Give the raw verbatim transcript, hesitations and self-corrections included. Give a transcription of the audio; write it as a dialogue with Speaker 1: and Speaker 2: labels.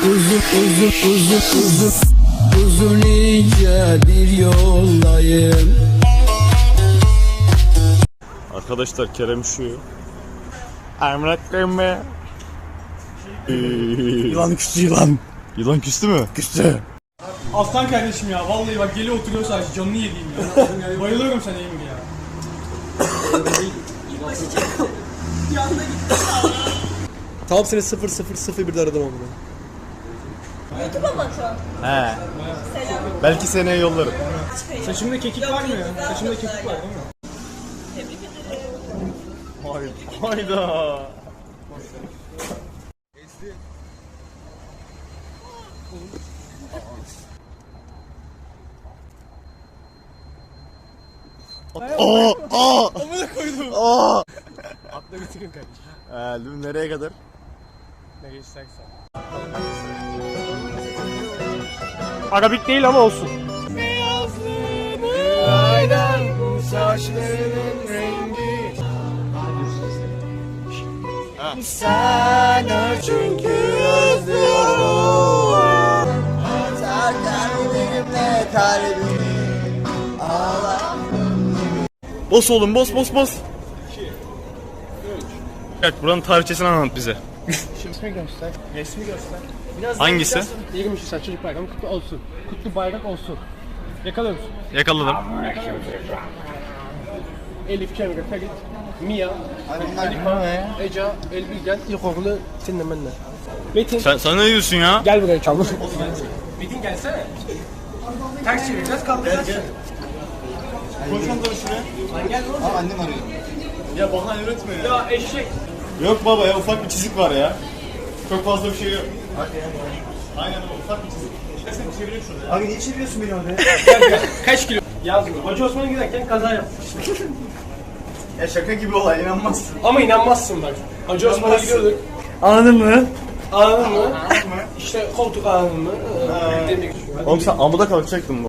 Speaker 1: Uzun uzun uzun uzun uzun ince bir yoldayım.
Speaker 2: Arkadaşlar Kerem üşüyor. Emrettim mi?
Speaker 3: Yılan küstü yılan.
Speaker 2: Yılan küstü mü?
Speaker 3: Küstü.
Speaker 4: Aslan kardeşim ya, vallahi bak geliyor oturuyor sadece, canını yediğim ya. Bayılıyorum sana Emir ya.
Speaker 3: Tam seni sıfır sıfır sıfır birde aradım onu.
Speaker 5: YouTube'a mı atıyorsun?
Speaker 2: He.
Speaker 5: Selam.
Speaker 2: Belki seneye yollarım.
Speaker 4: Saçımda kekik var mı ya? Saçımda kekik var değil mi?
Speaker 5: Tebrik ederim.
Speaker 2: Hayda. Aa! Aa!
Speaker 3: Amına koydum.
Speaker 2: Aa!
Speaker 3: Atla bitirin kardeşim.
Speaker 2: Ee, Lüm nereye kadar?
Speaker 3: Nereye istersen.
Speaker 4: Arabik değil ama olsun.
Speaker 3: Aynen bu saçlarının rengi. Sana çünkü özlüyorum. Atarken benimle kalbimi.
Speaker 2: Bos oğlum bos bos bos. Evet, buranın tarihçesini anlat bize.
Speaker 4: Resmi göster, resmi göster. Biraz
Speaker 2: Hangisi?
Speaker 4: Biraz yirmi üç saat çocuk bayramı kutlu olsun. Kutlu bayrak olsun. Yakalıyor musun?
Speaker 2: Yakaladım.
Speaker 4: Elif, Cemre, Ferit, Mia, Alifa, Eca, Elbilgen, ilkokulu seninle benimle. Metin,
Speaker 2: Sen, sen ne diyorsun ya?
Speaker 4: gel buraya çabuk. Metin gelsene. Ters çevireceğiz, kaldıracağız.
Speaker 2: Koşun da şuraya.
Speaker 4: Lan gel oğlum.
Speaker 3: Aa, annem arıyor.
Speaker 2: Ya bahane üretme ya.
Speaker 4: Ya eşek.
Speaker 2: Yok baba ya, ufak bir çizik var ya. Çok fazla bir şey yok. Aynen ufak bir çizik. Ya sen çevireyim şurada.
Speaker 3: Abi niye çeviriyorsun beni oraya?
Speaker 4: Gel gel. Kaç kilo? Yazmıyor. Hacı Osman'a giderken kaza yapmış.
Speaker 2: Ya şaka gibi olay, inanmazsın.
Speaker 4: Ama inanmazsın bak. Hacı Osman'a
Speaker 2: İnanmazsın.
Speaker 4: gidiyorduk.
Speaker 3: Anladın mı?
Speaker 4: Anladın mı? İşte koltuk anladın mı? Ee, demek.
Speaker 2: Oğlum sen amuda kalkacaktın bu.